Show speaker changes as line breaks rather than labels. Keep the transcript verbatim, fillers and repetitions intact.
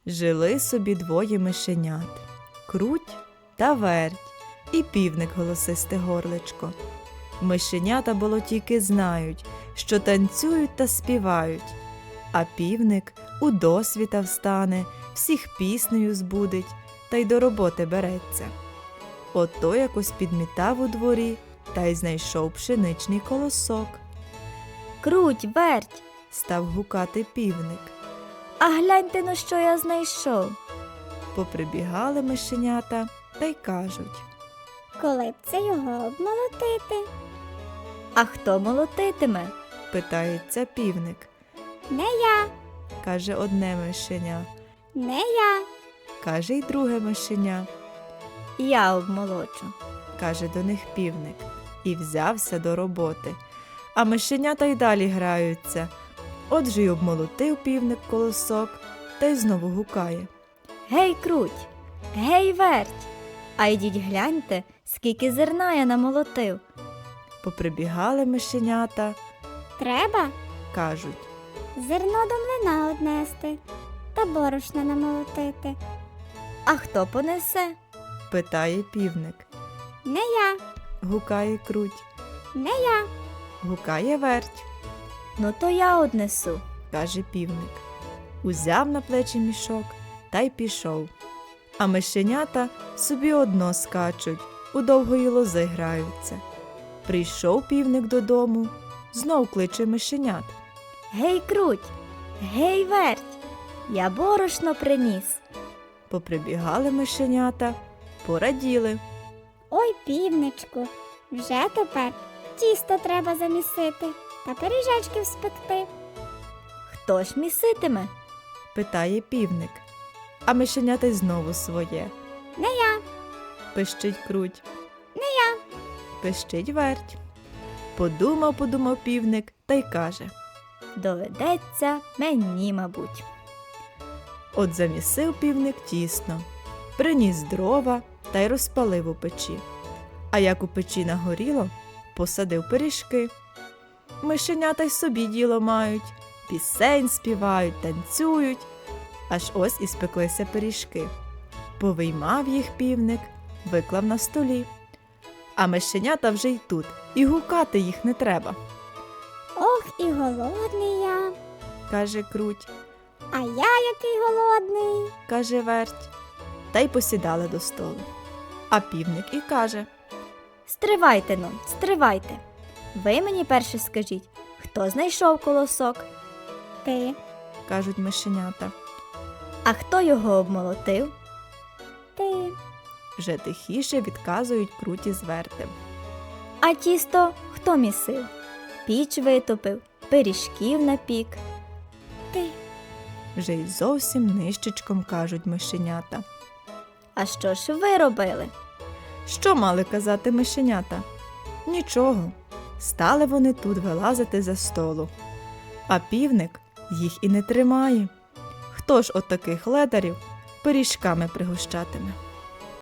Жили собі двоє мишенят – Круть та Верть, і півник голосисте горличко. Мишенята болотійки знають, що танцюють та співають, а півник у досвіта встане, всіх піснею збудить та й до роботи береться. Ото якось підмітав у дворі та й знайшов пшеничний колосок.
Круть, Верть,
Став гукати півник.
а гляньте, ну що я знайшов.
Поприбігали мишенята та й кажуть.
Коли б це його обмолотити?
А хто молотитиме?
Питається півник.
Не я,
Каже одне мишеня,
не я.
каже й друге мишеня.
Я обмолочу.
Каже до них півник, і взявся до роботи. А мишенята й далі граються. Отже й обмолотив півник колосок, та й знову гукає.
Гей, Круть, гей, Верть, а йдіть гляньте, скільки зерна я намолотив.
Поприбігали мишенята,
Треба
кажуть.
зерно до млина однести та борошна намолотити.
А хто понесе?
Питає півник.
Не я,
Гукає Круть,
не я.
гукає Верть,
Ну то я однесу.
каже півник. Узяв на плечі мішок та й пішов. А мишенята собі одно скачуть, у довгої лози граються. Прийшов півник додому, знов кличе мишенят.
Гей, Круть, гей, Верть, я борошно приніс.
Поприбігали мишенята, пораділи.
Ой, півничку, вже тепер тісто треба замісити та пиріжечків спекти.
Хто ж міситиме?
Питає півник. А мишенята й знову своє.
Не я,
Пищить Круть.
не я.
Пищить Верть. Подумав, подумав півник та й каже.
Доведеться мені, мабуть.
От замісив півник тісно, приніс дрова та й розпалив у печі. А як у печі нагоріло, посадив пиріжки. Мишенята й собі діло мають, пісень співають, танцюють. Аж ось і спеклися пиріжки. Повиймав їх півник, виклав на столі. А мишенята вже й тут, і гукати їх не треба,
Ох, і голодний я.
каже Круть,
А я який голодний.
каже Верть. Та й посідали до столу. А півник і каже.
Стривайте, ну, стривайте. Ви мені перше скажіть, хто знайшов колосок,
Ти,
Кажуть мишенята.
а хто його обмолотив?
ти,
Вже тихіше відказують Круті з Вертем.
А тісто хто місив? Піч витопив, пиріжків напік.
ти.
Вже й зовсім нищечком кажуть мишенята.
А що ж ви робили?
Що мали казати мишенята? Нічого. Стали вони тут вилазити за столу. А півник їх і не тримає. Хто ж от таких ледарів пиріжками пригощатиме?